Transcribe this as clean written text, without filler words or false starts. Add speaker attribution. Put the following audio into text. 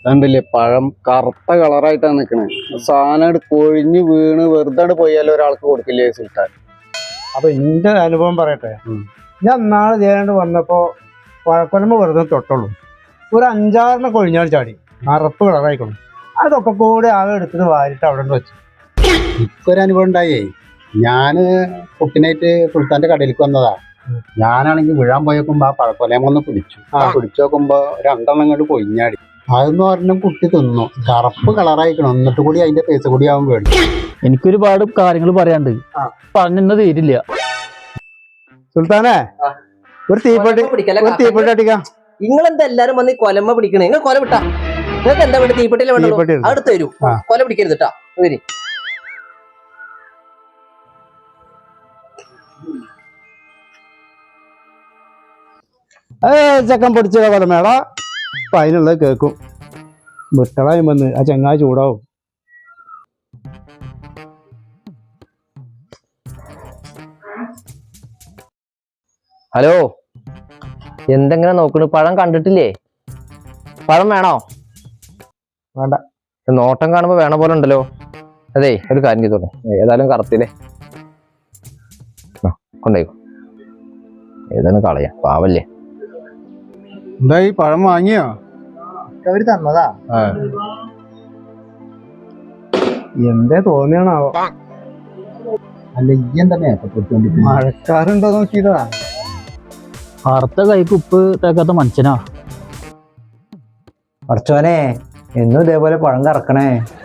Speaker 1: കണ്ടില്ലേ പഴം കറുത്ത കളറായിട്ടാണ് നിക്കണേ. സാധനം കൊഴിഞ്ഞ് വീണ് വെറുതെ പോയാലും ഒരാൾക്ക് കൊടുക്കില്ലേ സുൽത്താൻ.
Speaker 2: അപ്പൊ എന്റെ അനുഭവം പറയട്ടെ. ഞാൻ നാളെ ചെയ്യാണ്ട് വന്നപ്പോ പഴക്കൊലമ്പ് വെറുതെ തൊട്ടുള്ളൂ. ഒരു 5-6 കൊഴിഞ്ഞാൽ ചാടി കറുപ്പ് കളറായിക്കണം. അതൊക്കെ കൂടെ ആകെ എടുത്തിട്ട് വാരിട്ട് അവിടെ വെച്ചു.
Speaker 3: എനിക്കൊരനുഭവം ഉണ്ടായേ. ഞാന് കുട്ടിനായിട്ട് സുൽത്താന്റെ കടയിലേക്ക് വന്നതാ. ഞാനാണെങ്കിൽ വീഴാൻ പോയേക്കുമ്പോ ആ പഴക്കൊലയൊന്ന് പിടിച്ചു നോക്കുമ്പോ 2 അങ്ങോട്ട് കൊഴിഞ്ഞാടി. അതെന്ന് പറഞ്ഞ കുട്ടി തിന്നു. കറുപ്പ് കളറായിക്കണം. എന്നിട്ട് കൂടി അതിന്റെ പൈസ കൂടി ആവാൻ വേണ്ടി.
Speaker 4: എനിക്കൊരുപാട് കാര്യങ്ങൾ പറയാണ്ട് പറഞ്ഞെന്നെ തീരില്ല.
Speaker 2: സുൽത്താനെ ഒരു തീപ്പെട്ടി അടിക്കാം.
Speaker 5: നിങ്ങളെന്താ എല്ലാരും വന്ന് കൊലമ്മ പിടിക്കണേ? നിങ്ങൾ കൊല വിട്ടാ നിങ്ങൾക്ക് എന്താ വേണ്ടി? തീപ്പെട്ടിയിലെ വേണ്ടത് അടുത്ത് തരൂ. കൊല പിടിക്കരുത് കേട്ടാ. വരി
Speaker 2: ചെക്കൻ പൊടിച്ച കൊലമേള. അപ്പൊ അതിനുള്ളത് കേൾക്കും. വിട്ടളായും വന്ന് ആ ചെങ്ങായി ചൂടാവും.
Speaker 5: ഹലോ, എന്തെങ്ങനെ നോക്കണു? പഴം കണ്ടിട്ടില്ലേ? പഴം വേണോ?
Speaker 2: വേണ്ട.
Speaker 5: നോട്ടം കാണുമ്പോ വേണ പോലെ ഉണ്ടല്ലോ. അതെ, ഒരു കാര്യം ചെയ്തോളെ. ഏതായാലും കറുത്തില്ലേ, കൊണ്ടേക്കോ. ഏതായാലും കളയാം, പാവല്ലേ.
Speaker 1: എന്തായി പഴം വാങ്ങിയോ?
Speaker 2: അവര് തന്നതാ. എന്തേ തോന്നിയാണാവോ?
Speaker 3: അല്ല ഈ എന്താ മേക്കപ്പൊടുത്തോണ്ടി?
Speaker 2: മഴക്കാറുണ്ടോ നോക്കിയതാ.
Speaker 4: കറുത്ത കൈക്ക് ഉപ്പ് തേക്കാത്ത മനുഷ്യനാ.
Speaker 6: പഠിച്ചോനെ എന്നും ഇതേപോലെ പഴം കറക്കണേ.